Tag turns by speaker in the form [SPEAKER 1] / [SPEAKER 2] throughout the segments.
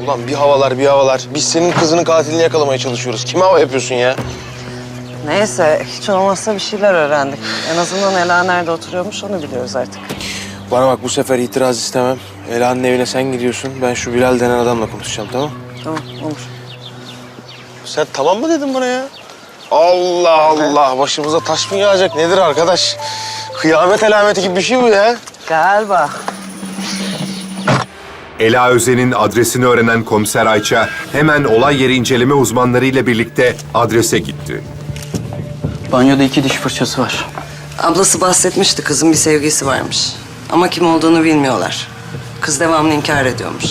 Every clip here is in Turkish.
[SPEAKER 1] Ulan bir havalar bir havalar. Biz senin kızının katilini yakalamaya çalışıyoruz. Kime hava yapıyorsun ya?
[SPEAKER 2] Neyse, hiç olmazsa bir şeyler öğrendik. En azından Ela nerede oturuyormuş onu biliyoruz artık.
[SPEAKER 1] Bana bak bu sefer itiraz istemem. Ela'nın evine sen gidiyorsun. Ben şu Bilal denen adamla konuşacağım, tamam?
[SPEAKER 2] Tamam, olur.
[SPEAKER 1] Sen tamam mı dedin bana ya? Allah Allah. Başımıza taş mı yağacak? Nedir arkadaş? Kıyamet alameti gibi bir şey bu ya.
[SPEAKER 2] Galiba.
[SPEAKER 3] Ela Özen'in adresini öğrenen komiser Ayça hemen olay yeri inceleme uzmanlarıyla birlikte adrese gitti.
[SPEAKER 4] Banyoda 2 diş fırçası var.
[SPEAKER 2] Ablası bahsetmişti, kızın bir sevgilisi varmış. Ama kim olduğunu bilmiyorlar. Kız devamlı inkar ediyormuş.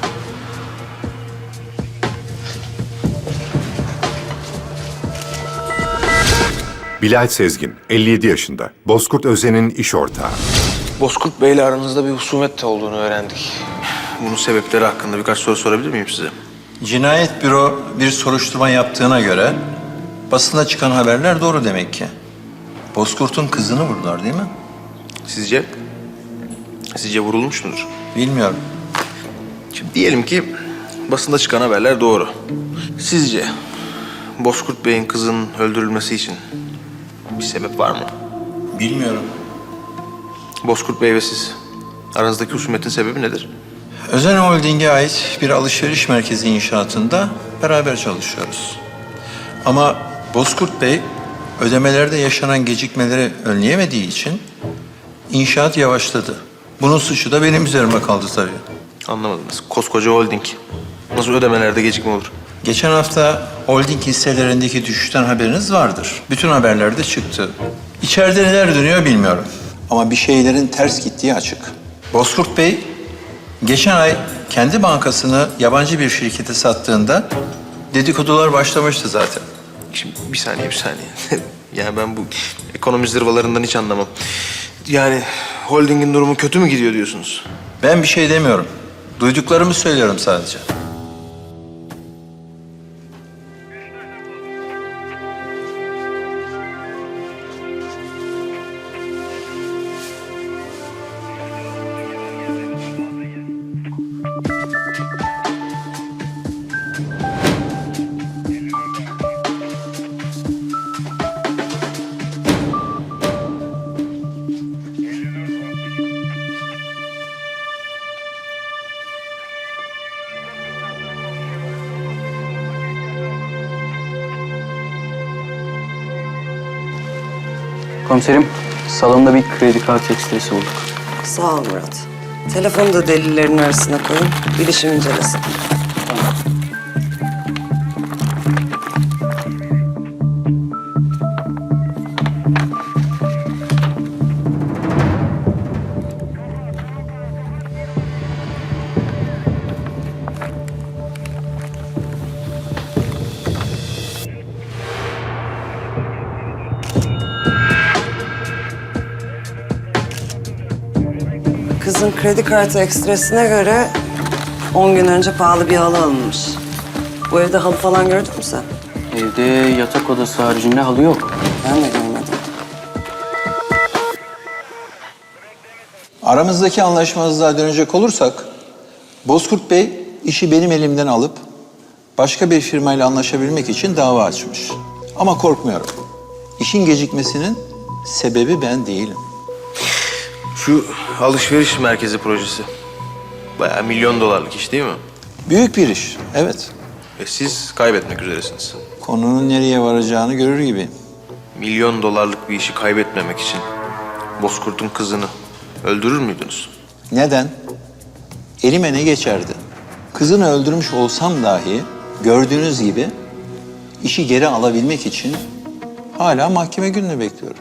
[SPEAKER 3] Bilal Sezgin, 57 yaşında. Bozkurt Özen'in iş ortağı.
[SPEAKER 1] Bozkurt Bey'le aranızda bir husumet olduğunu öğrendik. Bunun sebepleri hakkında birkaç soru sorabilir miyim size?
[SPEAKER 5] Cinayet büro bir soruşturma yaptığına göre basında çıkan haberler doğru demek ki. Bozkurt'un kızını vurdular değil mi?
[SPEAKER 1] Sizce? Sizce vurulmuş mudur?
[SPEAKER 5] Bilmiyorum.
[SPEAKER 1] Şimdi diyelim ki basında çıkan haberler doğru. Sizce Bozkurt Bey'in kızının öldürülmesi için bir sebep var mı?
[SPEAKER 5] Bilmiyorum.
[SPEAKER 1] Bozkurt Bey ve siz aranızdaki husumetin sebebi nedir?
[SPEAKER 5] Özen Holding'e ait bir alışveriş merkezi inşaatında beraber çalışıyoruz. Ama Bozkurt Bey ödemelerde yaşanan gecikmeleri önleyemediği için inşaat yavaşladı. Bunun suçu da benim üzerime kaldı tabii.
[SPEAKER 1] Anlamadınız. Koskoca holding. Nasıl ödemelerde gecikme olur?
[SPEAKER 5] Geçen hafta holding hisselerindeki düşüşten haberiniz vardır. Bütün haberlerde çıktı. İçeride neler dönüyor bilmiyorum. Ama bir şeylerin ters gittiği açık. Bozkurt Bey geçen ay kendi bankasını yabancı bir şirkete sattığında dedikodular başlamıştı zaten.
[SPEAKER 1] Şimdi bir saniye. Yani ben bu ekonomi zırvalarından hiç anlamam. Yani holdingin durumu kötü mü gidiyor diyorsunuz?
[SPEAKER 5] Ben bir şey demiyorum. Duyduklarımı söylüyorum sadece.
[SPEAKER 4] Komiserim, salonda bir kredi kartı ekstresi bulduk.
[SPEAKER 2] Sağ ol Murat. Telefonu da delillerin arasına koyun, bilişim incelesin. Kızın kredi kartı ekstresine göre 10 gün önce pahalı bir halı alınmış. Bu evde halı falan gördün mü sen?
[SPEAKER 4] Evde yatak odası haricinde halı yok.
[SPEAKER 2] Ben de görmedim.
[SPEAKER 5] Aramızdaki anlaşmazlığa dönecek olursak, Bozkurt Bey işi benim elimden alıp başka bir firmayla anlaşabilmek için dava açmış. Ama korkmuyorum. İşin gecikmesinin sebebi ben değilim.
[SPEAKER 1] Şu alışveriş merkezi projesi. Bayağı $1 milyon iş değil mi?
[SPEAKER 5] Büyük bir iş, evet.
[SPEAKER 1] Ve siz kaybetmek üzeresiniz.
[SPEAKER 5] Konunun nereye varacağını görür gibi.
[SPEAKER 1] $1 milyon bir işi kaybetmemek için Bozkurt'un kızını öldürür müydünüz?
[SPEAKER 5] Neden? Elime ne geçerdi? Kızını öldürmüş olsam dahi gördüğünüz gibi işi geri alabilmek için hala mahkeme gününü bekliyorum.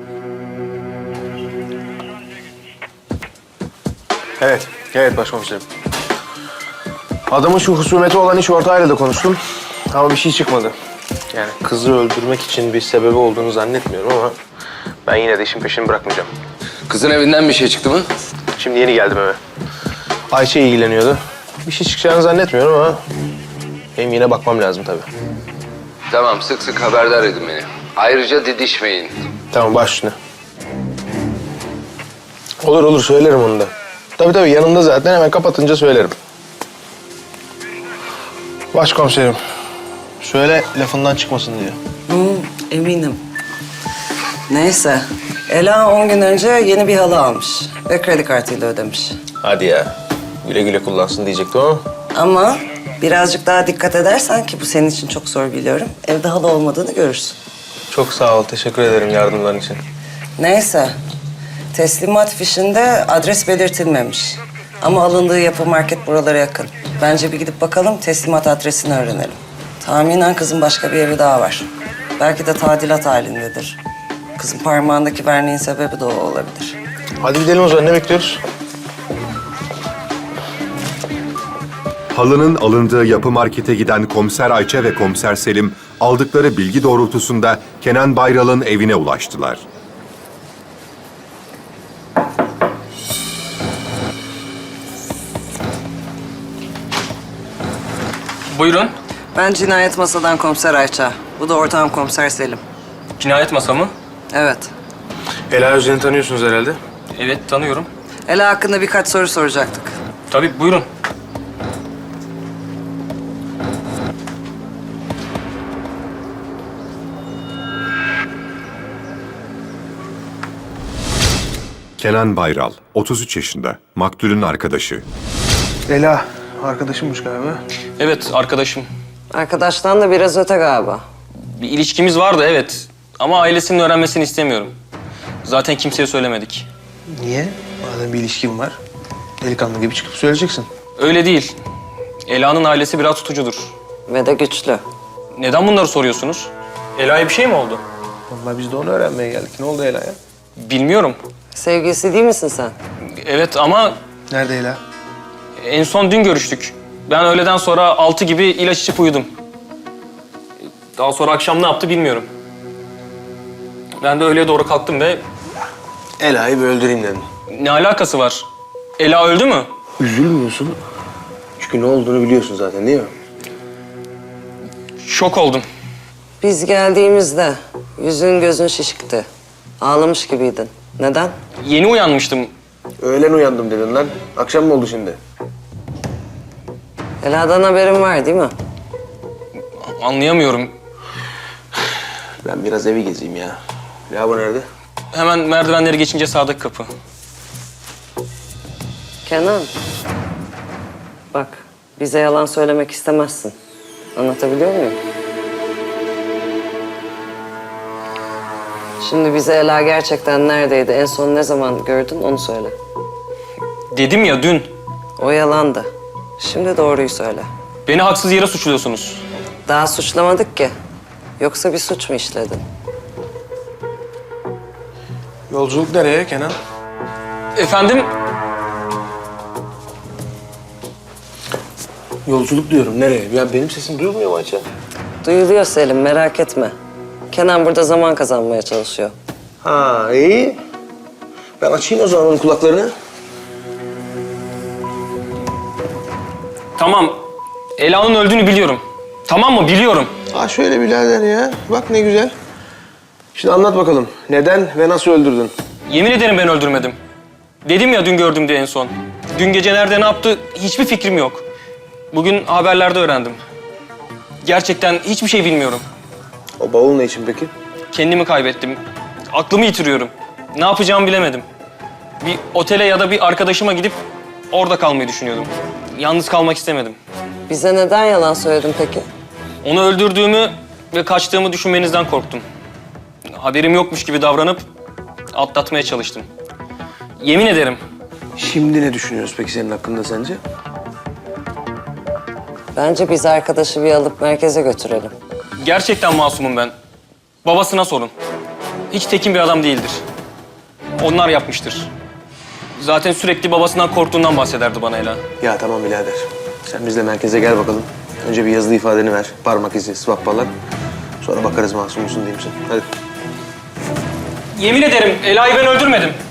[SPEAKER 1] Evet başkomiserim. Adamın şu husumeti olan iş ortağıyla da konuştum. Ama bir şey çıkmadı. Yani kızı öldürmek için bir sebebi olduğunu zannetmiyorum ama ben yine de işin peşini bırakmayacağım.
[SPEAKER 6] Kızın evinden bir şey çıktı mı?
[SPEAKER 1] Şimdi yeni geldim eve. Ayşe ilgileniyordu. Bir şey çıkacağını zannetmiyorum ama benim yine bakmam lazım tabii.
[SPEAKER 6] Tamam, sık sık haberdar edin beni. Ayrıca didişmeyin.
[SPEAKER 1] Tamam, baş üstüne. Olur söylerim onu da. Tabii yanımda zaten, hemen kapatınca söylerim. Başkomiserim. Söyle lafından çıkmasın diye.
[SPEAKER 2] Eminim. Neyse. Ela 10 gün önce yeni bir halı almış ve kredi kartıyla ödemiş.
[SPEAKER 1] Hadi ya. Güle güle kullansın diyecektim ama.
[SPEAKER 2] Ama birazcık daha dikkat edersen ki bu senin için çok zor biliyorum. Evde halı olmadığını görürsün.
[SPEAKER 1] Çok sağ ol. Teşekkür ederim yardımların için.
[SPEAKER 2] Neyse. Teslimat fişinde adres belirtilmemiş. Ama alındığı yapı market buralara yakın. Bence bir gidip bakalım, teslimat adresini öğrenelim. Tahminen kızın başka bir evi daha var. Belki de tadilat halindedir. Kızın parmağındaki verniğin sebebi de o olabilir.
[SPEAKER 1] Hadi gidelim o zaman. Ne bekliyoruz?
[SPEAKER 3] Halının alındığı yapı markete giden Komiser Ayça ve Komiser Selim aldıkları bilgi doğrultusunda Kenan Bayral'ın evine ulaştılar.
[SPEAKER 7] Buyurun.
[SPEAKER 2] Ben cinayet masadan komiser Ayça. Bu da ortağım komiser Selim.
[SPEAKER 7] Cinayet masamı.
[SPEAKER 2] Evet.
[SPEAKER 1] Ela Özden'i tanıyorsunuz herhalde.
[SPEAKER 7] Evet, tanıyorum.
[SPEAKER 2] Ela hakkında birkaç soru soracaktık.
[SPEAKER 7] Tabii, buyurun.
[SPEAKER 3] Kenan Bayral, 33 yaşında, maktulün arkadaşı.
[SPEAKER 1] Ela arkadaşımmış galiba.
[SPEAKER 7] Evet, arkadaşım.
[SPEAKER 2] Arkadaştan da biraz öte galiba.
[SPEAKER 7] Bir ilişkimiz vardı, evet. Ama ailesinin öğrenmesini istemiyorum. Zaten kimseye söylemedik.
[SPEAKER 1] Niye? Madem bir ilişkin var, delikanlı gibi çıkıp söyleyeceksin.
[SPEAKER 7] Öyle değil. Ela'nın ailesi biraz tutucudur.
[SPEAKER 2] Ve de güçlü.
[SPEAKER 7] Neden bunları soruyorsunuz? Ela'ya bir şey mi oldu?
[SPEAKER 1] Vallahi biz de onu öğrenmeye geldik. Ne oldu Ela'ya?
[SPEAKER 7] Bilmiyorum.
[SPEAKER 2] Sevgilisi değil misin sen?
[SPEAKER 7] Evet ama
[SPEAKER 1] Nerede Ela?
[SPEAKER 7] en son dün görüştük. Ben öğleden sonra 6 gibi ilaç içip uyudum. Daha sonra akşam ne yaptı bilmiyorum. Ben de öğleye doğru kalktım ve
[SPEAKER 1] Ela'yı bir öldüreyim dedim.
[SPEAKER 7] ne alakası var? Ela öldü mü?
[SPEAKER 1] Üzülmüyorsun. Çünkü ne olduğunu biliyorsun zaten değil mi?
[SPEAKER 7] Şok oldum.
[SPEAKER 2] Biz geldiğimizde yüzün gözün şişikti. Ağlamış gibiydin. Neden?
[SPEAKER 7] Yeni uyanmıştım.
[SPEAKER 1] Öğlen uyandım dedin lan. Akşam mı oldu şimdi?
[SPEAKER 2] Ela'dan haberin var değil mi?
[SPEAKER 7] Anlayamıyorum.
[SPEAKER 1] Ben biraz evi gezeyim ya. Lavabo nerede?
[SPEAKER 7] Hemen merdivenleri geçince sağdaki kapı.
[SPEAKER 2] Kenan. Bak, bize yalan söylemek istemezsin. Anlatabiliyor muyum? Şimdi bize Ela gerçekten neredeydi, en son ne zaman gördün onu söyle.
[SPEAKER 7] Dedim ya dün.
[SPEAKER 2] O yalandı. Şimdi doğruyu söyle.
[SPEAKER 7] Beni haksız yere suçluyorsunuz.
[SPEAKER 2] Daha suçlamadık ki. Yoksa bir suç mu işledin?
[SPEAKER 1] Yolculuk nereye Kenan?
[SPEAKER 7] Efendim?
[SPEAKER 1] Yolculuk diyorum. Nereye? Ya benim sesim duyulmuyor mu Ayça?
[SPEAKER 2] Duyuluyor Selim, merak etme. Kenan burada zaman kazanmaya çalışıyor.
[SPEAKER 1] Ha iyi. Ben açayım o zaman onun kulaklarını.
[SPEAKER 7] Tamam. Ela'nın öldüğünü biliyorum. Tamam mı? Biliyorum.
[SPEAKER 1] Ha şöyle birader ya. Bak ne güzel. Şimdi anlat bakalım. Neden ve nasıl öldürdün?
[SPEAKER 7] Yemin ederim ben öldürmedim. Dedim ya dün gördüm diye en son. Dün gece nerede ne yaptı hiçbir fikrim yok. Bugün haberlerde öğrendim. Gerçekten hiçbir şey bilmiyorum.
[SPEAKER 1] O bavul ne için peki?
[SPEAKER 7] Kendimi kaybettim. Aklımı yitiriyorum. Ne yapacağımı bilemedim. Bir otele ya da bir arkadaşıma gidip orada kalmayı düşünüyordum. Yalnız kalmak istemedim.
[SPEAKER 2] Bize neden yalan söyledin peki?
[SPEAKER 7] Onu öldürdüğümü ve kaçtığımı düşünmenizden korktum. Haberim yokmuş gibi davranıp atlatmaya çalıştım. Yemin ederim.
[SPEAKER 1] Şimdi ne düşünüyoruz peki senin hakkında sence?
[SPEAKER 2] Bence biz arkadaşı bir alıp merkeze götürelim.
[SPEAKER 7] Gerçekten masumum ben. Babasına sorun. Hiç tekin bir adam değildir. Onlar yapmıştır. Zaten sürekli babasından korktuğundan bahsederdi bana Ela.
[SPEAKER 1] Ya tamam birader. Sen bizle merkeze gel bakalım. Önce bir yazılı ifadeni ver. Parmak izi, swap falan. Sonra bakarız masum musun değil misin? Hadi.
[SPEAKER 7] Yemin ederim Ela'yı ben öldürmedim.